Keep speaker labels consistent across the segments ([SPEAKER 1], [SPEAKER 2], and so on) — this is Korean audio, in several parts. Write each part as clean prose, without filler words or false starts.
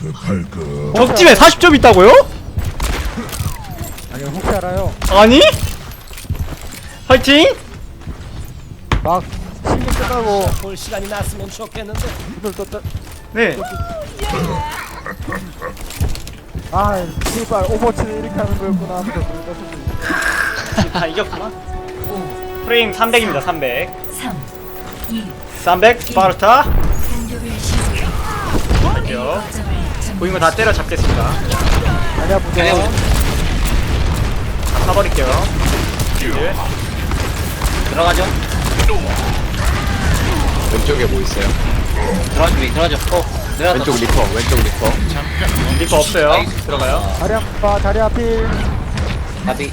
[SPEAKER 1] 적팀에 40점 있다고요?
[SPEAKER 2] 아니 혹시 알아요?
[SPEAKER 1] 아니? 화이팅!
[SPEAKER 2] 막 시즌 끝나고
[SPEAKER 3] 볼 시간이 났으면 좋겠는데.
[SPEAKER 2] 오늘 또
[SPEAKER 1] 네.
[SPEAKER 2] 아, 씨발 오버워치는 이렇게 하는 거였구나 하면서 놀다
[SPEAKER 1] 이겼구나. 프레임 300입니다. 300.
[SPEAKER 4] 3, 2,
[SPEAKER 1] 300 스파르타.
[SPEAKER 4] 공격을 시작.
[SPEAKER 1] 할게요. 보인 거 다 때려 잡겠습니다.
[SPEAKER 2] 아니야 보자.
[SPEAKER 1] 다 사버릴게요. 예.
[SPEAKER 5] 들어가죠.
[SPEAKER 6] 왼쪽에 뭐 있어요?
[SPEAKER 5] 들어가죠. 내려가서.
[SPEAKER 6] 왼쪽 리퍼, 왼쪽 리퍼.
[SPEAKER 1] 리퍼 없어요. 들어가요.
[SPEAKER 2] 자리 아파 자리 앞필.
[SPEAKER 5] 나비.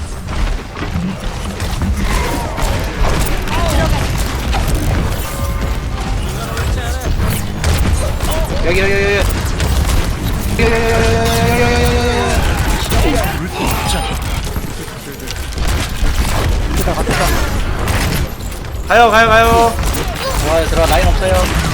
[SPEAKER 5] 여기.
[SPEAKER 1] 가요.
[SPEAKER 5] 들어가. 라인 없어요.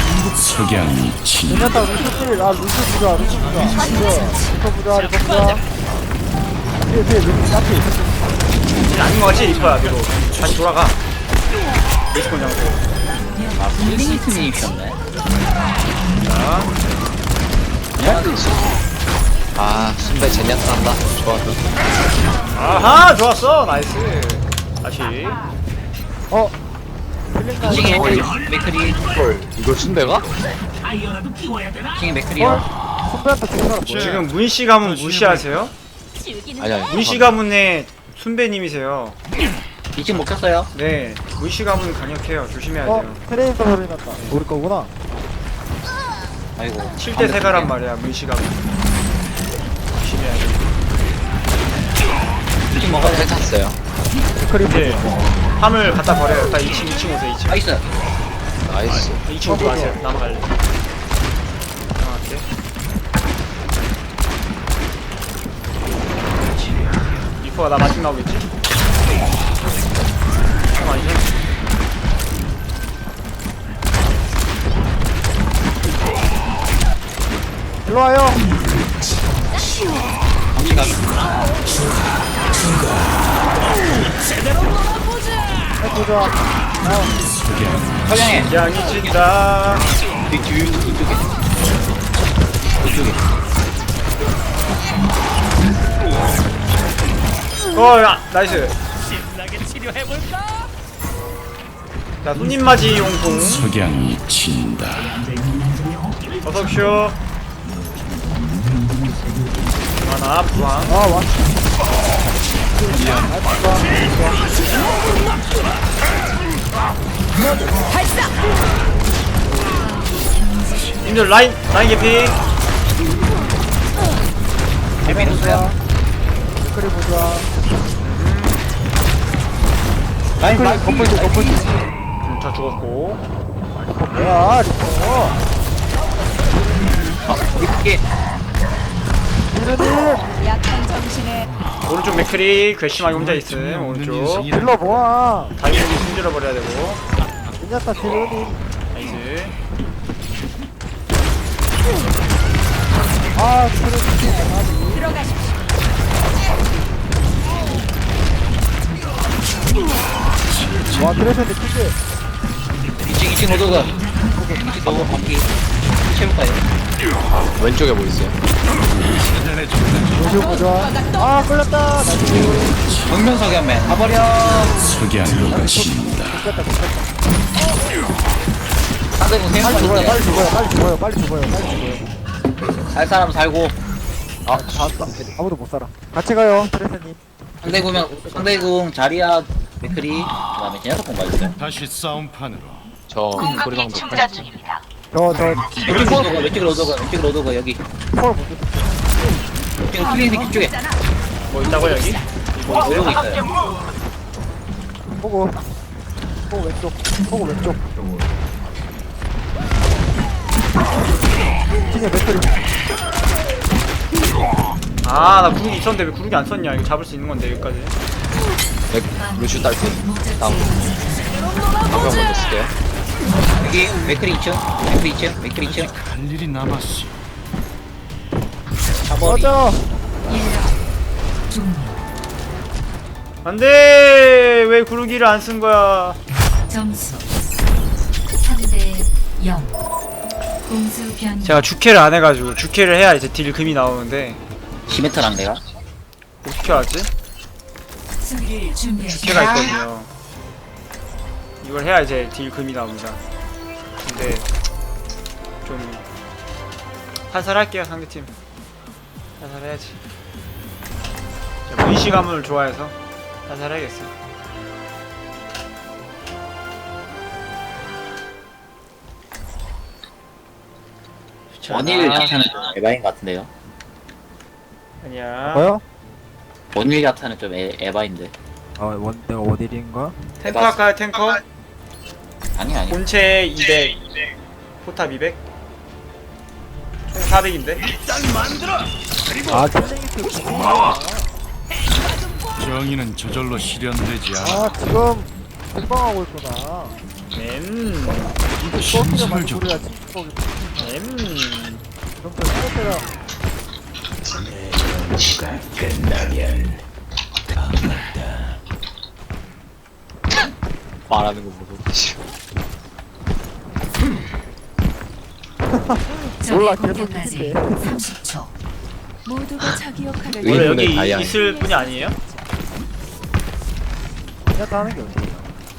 [SPEAKER 2] 괜찮다 루시필. 아 루시 보자 루시 보자. 리퍼 보자 리퍼 보자. 뒤에 루시 앞필.
[SPEAKER 1] 아닌 거 같지? 리퍼야. 뒤로 다시 돌아가. 리스폰 장소.
[SPEAKER 5] 아, 플링스님이셨네.
[SPEAKER 6] 아, 순배 제니아타 한다. 좋아.
[SPEAKER 1] 아하, 좋았어. 나이스. 다시.
[SPEAKER 2] 어. 필링가
[SPEAKER 5] 2층에 맥크리.
[SPEAKER 6] 헐, 이거 순배가?
[SPEAKER 5] 2층에 맥크리요.
[SPEAKER 2] 선배한테 준 사람 뭐야?
[SPEAKER 1] 지금 문씨 가문 무시하세요?
[SPEAKER 6] 아니야.
[SPEAKER 1] 문씨 가문의 순배님이세요.
[SPEAKER 5] 2층 못 켰어요.
[SPEAKER 1] 네, 문씨 가문 강력해요. 조심해야
[SPEAKER 2] 어
[SPEAKER 1] 돼요.
[SPEAKER 2] 트레이서 소리 났다. 우리 거구나.
[SPEAKER 5] 아이고.
[SPEAKER 1] 7대 세가란 말이야, 문씨 가문. 조심해야 돼.
[SPEAKER 5] 2층 먹어요.
[SPEAKER 6] 해탔어요.
[SPEAKER 1] 이제 함을 갖다 버려요. 다 2층 오세요. 2층.
[SPEAKER 5] 나이스.
[SPEAKER 6] 나이스.
[SPEAKER 1] 2층 들어가세요. 남아갈래. 남아갈게. 리퍼가 나 마중 나오겠지? 아니죠?
[SPEAKER 2] 일로 와요. 해보자.
[SPEAKER 5] 서양에.
[SPEAKER 1] 양이 진다.
[SPEAKER 5] 이쪽에.
[SPEAKER 1] 야, 나이스.
[SPEAKER 3] 신나게 치료해볼까?
[SPEAKER 1] 자, 손님 맞이 용품.
[SPEAKER 7] 석양이 친다.
[SPEAKER 1] 어서오쇼. 하나, 부항.
[SPEAKER 2] 아 와.
[SPEAKER 1] 님들 라인 개피.
[SPEAKER 5] 재미 있어요.
[SPEAKER 2] 댓글이 보자.
[SPEAKER 5] 라인
[SPEAKER 2] 건물지.
[SPEAKER 1] 저 죽었고.
[SPEAKER 2] 뭐야 리퍼.
[SPEAKER 5] 이렇게.
[SPEAKER 2] 이르님
[SPEAKER 4] 약한 정신에
[SPEAKER 1] 오른쪽 맥크리 괘씸하게 혼자 있음. 오른쪽.
[SPEAKER 2] 딜러 모아.
[SPEAKER 1] 다이브기 숨질러 버려야 되고.
[SPEAKER 2] 괜찮다 딜러님.
[SPEAKER 1] 나이스.
[SPEAKER 2] 아 트레이서.
[SPEAKER 4] 들어가십시오.
[SPEAKER 2] 와 트레이서인데 크게.
[SPEAKER 5] 2층 로드가. 2층 로드 바퀴. 채울까요?
[SPEAKER 6] 왼쪽에 뭐 있어요?
[SPEAKER 2] 루시 보자. 아 끌렸다. 나이스.
[SPEAKER 5] 정면 석양맨. 가버려.
[SPEAKER 7] 석양이 친다.
[SPEAKER 5] 상대분
[SPEAKER 2] 빨리 죽어요.
[SPEAKER 5] 생각하는데.
[SPEAKER 2] 빨리 죽어요.
[SPEAKER 5] 살 사람 살고.
[SPEAKER 6] 아,
[SPEAKER 2] 아무도 못 살아. 같이 가요 트레이서님.
[SPEAKER 5] 상대궁 자리야 맥크리. 그다음에 제냐석 공 봐주세요.
[SPEAKER 7] 다시 싸움판으로.
[SPEAKER 6] 저 소리방도
[SPEAKER 5] 왼쪽 로드가 여기.
[SPEAKER 2] 폴 먼저.
[SPEAKER 5] 지금 클리닉 쪽에
[SPEAKER 1] 뭐 있다고 여기?
[SPEAKER 5] 오르고 있어요.
[SPEAKER 2] 보고 왼쪽. ting에 맥클이.
[SPEAKER 1] 아, 나 구르기 있었는데 왜 구르기 안 썼냐? 이거 잡을 수 있는 건데 여기까지.
[SPEAKER 6] 루슈 딸피. 다음. 방금 먼저 쓸게요.
[SPEAKER 5] 여기 맥크리 2층. 맥크리 2층.
[SPEAKER 7] 할 일이 남았어.
[SPEAKER 5] 사버리.
[SPEAKER 2] 맞아.
[SPEAKER 4] 1라 종료.
[SPEAKER 1] 안돼. 왜 구르기를 안 쓴 거야?
[SPEAKER 4] 점수 3대 0. 공수 변경.
[SPEAKER 1] 제가 주캐를 안 해가지고 주캐를 해야 이제 딜 금이 나오는데
[SPEAKER 5] 히메타랑 내가.
[SPEAKER 1] 어떻게 알았지?
[SPEAKER 4] 수비를 준비하십시오.
[SPEAKER 1] 주캐가 있거든요. 이걸 해야 이제 딜 금이 나옵니다. 근데 좀 살살할게요 상대팀. 살살해야지. 문시 가문을 좋아해서 살살해야겠어.
[SPEAKER 5] 원일 자타는 좀 에바인 것 같은데요.
[SPEAKER 1] 아니야.
[SPEAKER 2] 뭐요?
[SPEAKER 5] 원일 자타는 좀 에바인데.
[SPEAKER 2] 내가 원일인가?
[SPEAKER 1] 탱커 할까요 탱커?
[SPEAKER 5] 아니.
[SPEAKER 1] 본체 200 포탑 200 총 400인데
[SPEAKER 2] 아, 챌린지
[SPEAKER 7] 정의는 저절로 실현되지 않아.
[SPEAKER 2] 아, 지금 공방하고 있구나. 이거 소스가
[SPEAKER 7] 신선을
[SPEAKER 2] 많이
[SPEAKER 7] 좀-
[SPEAKER 2] 소리야, 친구거기. 그럼 저 스포트랑
[SPEAKER 6] 말하는 거 보고.
[SPEAKER 2] 몰라,
[SPEAKER 4] 적의
[SPEAKER 2] 계속
[SPEAKER 4] 공격까지
[SPEAKER 2] 있는데.
[SPEAKER 4] 30초.
[SPEAKER 8] 모두가 자기 역할을
[SPEAKER 1] 원래
[SPEAKER 6] 의문의
[SPEAKER 1] 여기
[SPEAKER 6] 다이아인.
[SPEAKER 1] 있을 분이 아니에요?
[SPEAKER 2] 그냥 다 하는 게 어디야.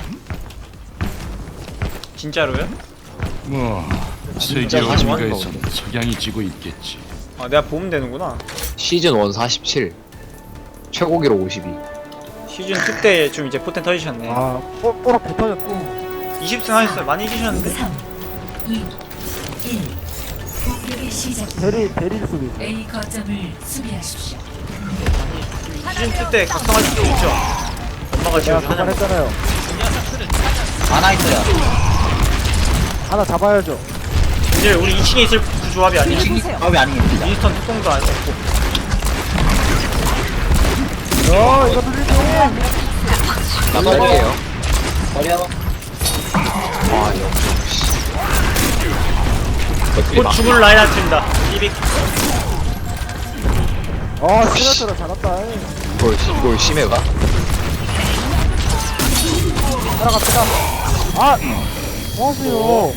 [SPEAKER 1] 진짜로요?
[SPEAKER 7] 뭐 세계
[SPEAKER 6] 진짜
[SPEAKER 7] 어딘가에선
[SPEAKER 6] 하지만
[SPEAKER 7] 석양이 지고 있겠지.
[SPEAKER 1] 아 내가 보면 되는구나.
[SPEAKER 6] 시즌 1 47. 최고 기록 52.
[SPEAKER 1] 시즌 2 때 좀 이제 포텐 터지셨네.
[SPEAKER 2] 아, 뽀록 붙어졌 또.
[SPEAKER 1] 20승 하셨어요. 많이 이기셨는데?
[SPEAKER 4] 3, 2, 1. 공격의 시작.
[SPEAKER 2] 대리 수비.
[SPEAKER 4] A 거점을 수비하십시오.
[SPEAKER 1] 시즌 2 때 각성할 수도 있죠. 엄마가
[SPEAKER 2] 내가
[SPEAKER 1] 지금 하는 거.
[SPEAKER 2] 그만했잖아요.
[SPEAKER 5] 하나 있어요.
[SPEAKER 2] 하나 잡아야죠.
[SPEAKER 1] 이제 우리 2층에 있을 그 조합이 아니에요.
[SPEAKER 5] 마음이 아니겠습니다.
[SPEAKER 1] 윈스턴 특공도 안 없고.
[SPEAKER 2] 이거 들리지?
[SPEAKER 6] 나갈게요.
[SPEAKER 5] 버려.
[SPEAKER 6] 아, 영정. 맥클이
[SPEAKER 1] 곧
[SPEAKER 6] 막.
[SPEAKER 1] 죽을 라인 할 팀이다. 200.
[SPEAKER 2] 시나트라 잘한다.
[SPEAKER 6] 이걸 심해가?
[SPEAKER 2] 따라갑시다. 아! 뭐하세요?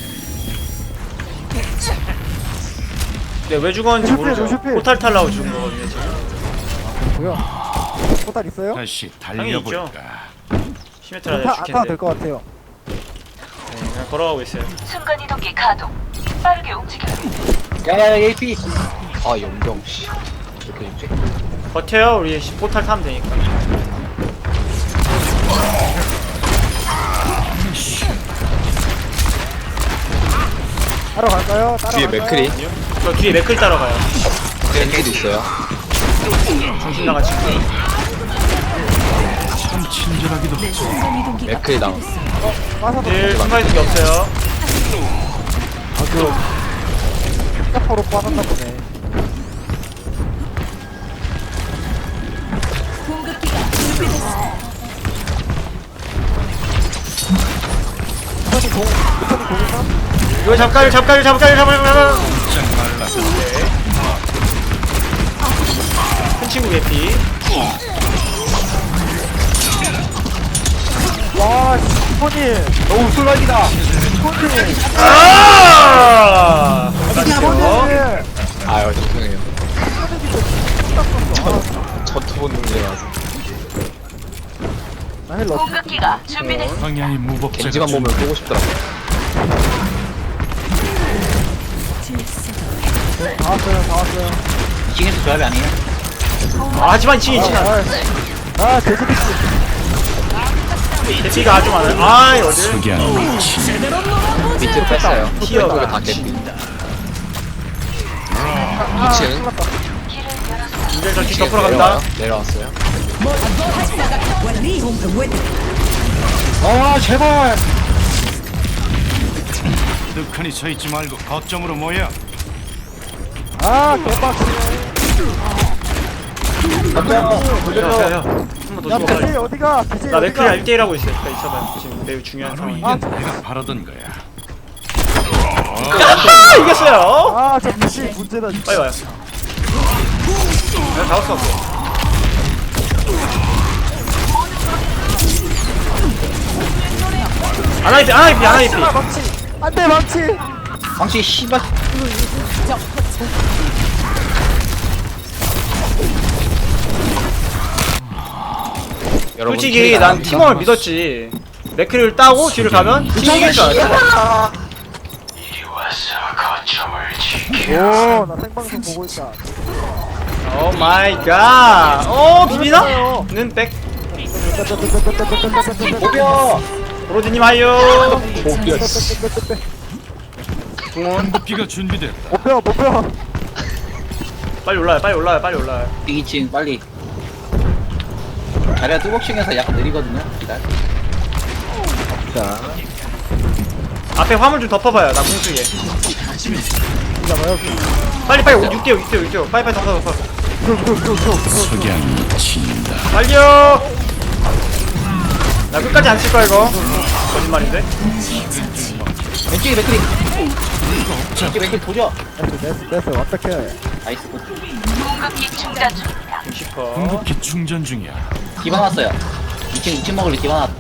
[SPEAKER 1] 네, 왜 죽었는지
[SPEAKER 2] 루시필,
[SPEAKER 1] 모르죠.
[SPEAKER 2] 루시필.
[SPEAKER 1] 포탈 탈라고 죽은 거거든요, 지금.
[SPEAKER 2] 뭐야? 포탈 있어요?
[SPEAKER 7] 다시
[SPEAKER 1] 당연히 있죠.
[SPEAKER 7] 달려볼까.
[SPEAKER 1] 시메트라
[SPEAKER 2] 포탈 안 타도
[SPEAKER 1] 죽겠는데.
[SPEAKER 2] 될 것 같아요.
[SPEAKER 1] 네, 그냥 걸어가고 있어요.
[SPEAKER 8] 순간이동기 가동. 빠르게 움직여요.
[SPEAKER 5] 야, AP.
[SPEAKER 6] 아, 영정, 씨. 이렇게 죽지?
[SPEAKER 1] 버텨요, 우리 포탈 타면 되니까.
[SPEAKER 2] 따라갈까요?
[SPEAKER 6] 뒤에
[SPEAKER 2] 따라갈까요?
[SPEAKER 6] 맥클이.
[SPEAKER 1] 저 뒤에 맥클 따라가요.
[SPEAKER 6] 겐지도 있어요.
[SPEAKER 1] 정신 나가지고.
[SPEAKER 7] 참 친절하기도 하고.
[SPEAKER 8] 순간이동기가
[SPEAKER 6] 맥클이 나.
[SPEAKER 2] 빠져도
[SPEAKER 1] 딜 순간이동기 없어요.
[SPEAKER 2] 아주 스타퍼로 빠졌나 보네.
[SPEAKER 8] 공급기가 준비됐어.
[SPEAKER 1] 이거 잡가요. 큰 친구 개피.
[SPEAKER 2] 와, 스포님 너무 술락이다. 스포님.
[SPEAKER 1] 아! 맞죠?
[SPEAKER 6] 아유, 죄송해요. 전투 본능이라서.
[SPEAKER 2] 나 헬로.
[SPEAKER 8] 공급기가 준비됐어.
[SPEAKER 7] 광야의 무법자가
[SPEAKER 6] 겐지만 보면 보고 싶더라고.
[SPEAKER 2] 다 왔어요.
[SPEAKER 5] 2층에서 조합이 아니에요.
[SPEAKER 1] 아, 하지만 2층이 지나.
[SPEAKER 2] 돼지비치.
[SPEAKER 1] 개피가 아주 많아요. 아, 어딜?
[SPEAKER 7] 석양이 친다.
[SPEAKER 6] 밑으로 뺐어요.
[SPEAKER 1] 티어가.
[SPEAKER 6] 왼쪽에 다 개피. 2층.
[SPEAKER 1] 이제 저
[SPEAKER 6] 2층에
[SPEAKER 1] 덮으러 간다.
[SPEAKER 6] 내려왔어요.
[SPEAKER 2] 제발.
[SPEAKER 7] 득하니 서있지 말고 거점으로 모여.
[SPEAKER 2] 개빡치네.
[SPEAKER 1] 한번더
[SPEAKER 2] 야,
[SPEAKER 1] 죽어.
[SPEAKER 2] 배지 어디가? 배지
[SPEAKER 1] 나
[SPEAKER 2] 어디가?
[SPEAKER 1] 맥클이 1대1하고 있어요. 그러니까 있어봐요. 지금 매우 중요한
[SPEAKER 7] 바로
[SPEAKER 1] 상황.
[SPEAKER 7] 이게 내가 바라던 거야.
[SPEAKER 1] 아, 이겼어요.
[SPEAKER 2] 저 배지 문제다.
[SPEAKER 1] 빨리 와요. 내가 잡았어. 아나이피.
[SPEAKER 2] 안돼 망치.
[SPEAKER 5] 방치 씨발.
[SPEAKER 6] 여러분
[SPEAKER 1] 솔직히
[SPEAKER 6] 캐리가
[SPEAKER 1] 난
[SPEAKER 6] 나갑니다.
[SPEAKER 1] 팀원을 믿었지. 맥크리를 따고 뒤를 가면 팀이 이길 줄 알았어.
[SPEAKER 2] 오나 생방송 보고 있다.
[SPEAKER 1] 오 마이 갓. 오 비비나? 는 백.
[SPEAKER 5] 오벼.
[SPEAKER 1] 브로디님 하요.
[SPEAKER 7] 공급기가 준비됐다.
[SPEAKER 2] 목표.
[SPEAKER 1] 빨리 올라요.
[SPEAKER 5] 2층 빨리. 자리가 뚜벅층에서 약간 느리거든요. 기다려.
[SPEAKER 2] 자,
[SPEAKER 1] 앞에 화물 좀 덮어봐요. 나 공수에.
[SPEAKER 2] 잡아요.
[SPEAKER 1] 빨리 6대요. 빨리 덮어.
[SPEAKER 7] 석양이 친다.
[SPEAKER 1] 빨리요. 나 끝까지 안 칠 거야 이거. 거짓말인데.
[SPEAKER 5] 왼쪽에 맥크리. 왼쪽에 맥크리 도저.
[SPEAKER 2] 됐어. 어떡해.
[SPEAKER 5] 나이스 굿.
[SPEAKER 8] 공급기 충전 중입니다.
[SPEAKER 1] 60퍼.
[SPEAKER 7] 공급기 충전 중이야.
[SPEAKER 5] 기반 왔어요. 2층 먹을래 기반 왔.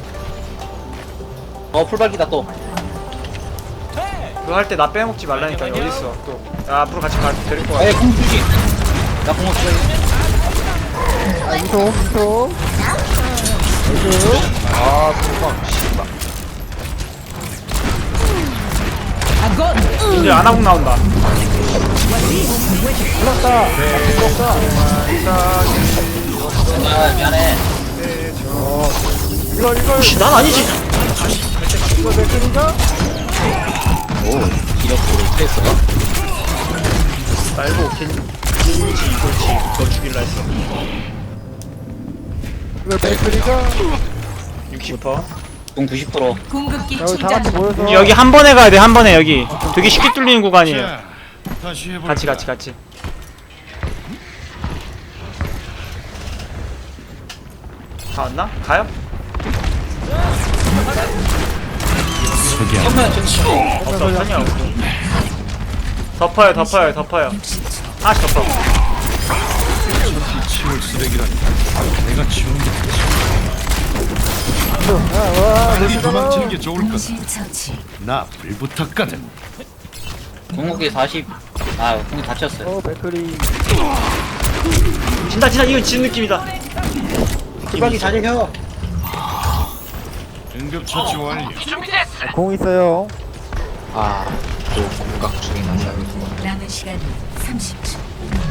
[SPEAKER 5] 풀발기다 또.
[SPEAKER 1] 그거 할 때 나 빼먹지 말라니까. 어딨어 또. 야, 앞으로 같이 데리고 가.
[SPEAKER 5] 에이 공 주지. 나 공을 주지.
[SPEAKER 2] 아 이소.
[SPEAKER 6] 아 도망 씨발.
[SPEAKER 1] 이제 안하고 나온다.
[SPEAKER 2] 불렀다.
[SPEAKER 5] 아 미안해.
[SPEAKER 2] 이거
[SPEAKER 1] 혹시 난 아니지.
[SPEAKER 2] 이거 내 끈인가?
[SPEAKER 5] 기력으로 패스가.
[SPEAKER 1] 말고 겐지 너 죽일라 했어.
[SPEAKER 2] 이거 내 끈인가?
[SPEAKER 1] 60퍼.
[SPEAKER 5] 공 90%.
[SPEAKER 8] 공급기
[SPEAKER 2] 야 우리 다 같이 모여서.
[SPEAKER 1] 여기 한 번에 가야 돼. 한 번에 여기. 되게 쉽게 뚫리는 구간이에요.
[SPEAKER 7] 자, 다시 해볼까?
[SPEAKER 1] 같이. 다 왔나? 가요?
[SPEAKER 7] 석양.
[SPEAKER 5] 정면 저.
[SPEAKER 1] 없어. 전혀 없어. 덮어요. 하나씩 덮어.
[SPEAKER 7] 치울 쓰레기라니. 내가 치운 게
[SPEAKER 2] 와,
[SPEAKER 7] 빨리 도망치는 게 좋을 거다.
[SPEAKER 4] 동시 처치.
[SPEAKER 7] 나 불붙었거든.
[SPEAKER 5] 공격이 40. 아 공이 다쳤어요.
[SPEAKER 2] 맥클이.
[SPEAKER 1] 진짜 이건 진 느낌이다.
[SPEAKER 5] 풀발기 잘 혀.
[SPEAKER 7] 응급 처치 완료.
[SPEAKER 2] 공 있어요.
[SPEAKER 6] 아또 공각 중에 나서야겠구나.
[SPEAKER 4] 남은 시간 30초.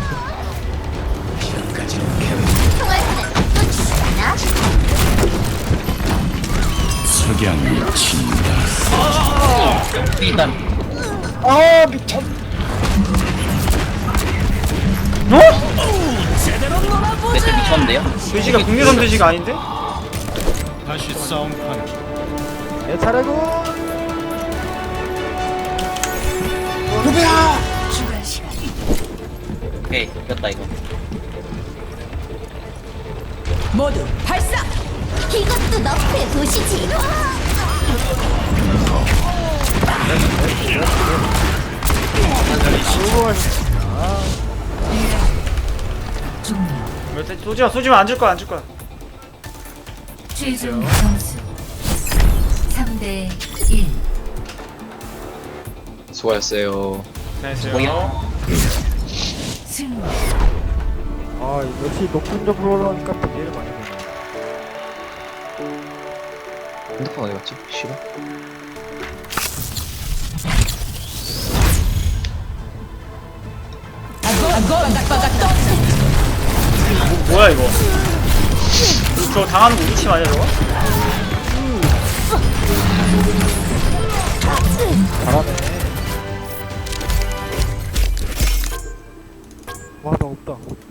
[SPEAKER 7] 석양이 친다.
[SPEAKER 5] 일단 맥크리 미쳤는데요?
[SPEAKER 1] 돼지가 국내산 돼지가 아닌데?
[SPEAKER 7] 다시 싸움판.
[SPEAKER 2] 내 차례고.
[SPEAKER 4] 추가 시간.
[SPEAKER 5] 오케이 이겼다 이거.
[SPEAKER 8] 모두 발사.
[SPEAKER 9] 이것도 너프에 보시지.
[SPEAKER 4] 종료.
[SPEAKER 1] 쏘지마 안 줄 거야.
[SPEAKER 4] 최종 점수 3대 1.
[SPEAKER 6] 수고하셨어요.
[SPEAKER 1] 안녕하세요.
[SPEAKER 4] 승리.
[SPEAKER 2] 아 역시 높은 점으로 올라오니까 비계를 많이 보네.
[SPEAKER 6] 핸드폰 어디 갔지? 싫어?
[SPEAKER 1] 뭐야 이거? 저거 당하는 거 우리 팀 아니야 저거?
[SPEAKER 2] 잘하네. 와 나 없다.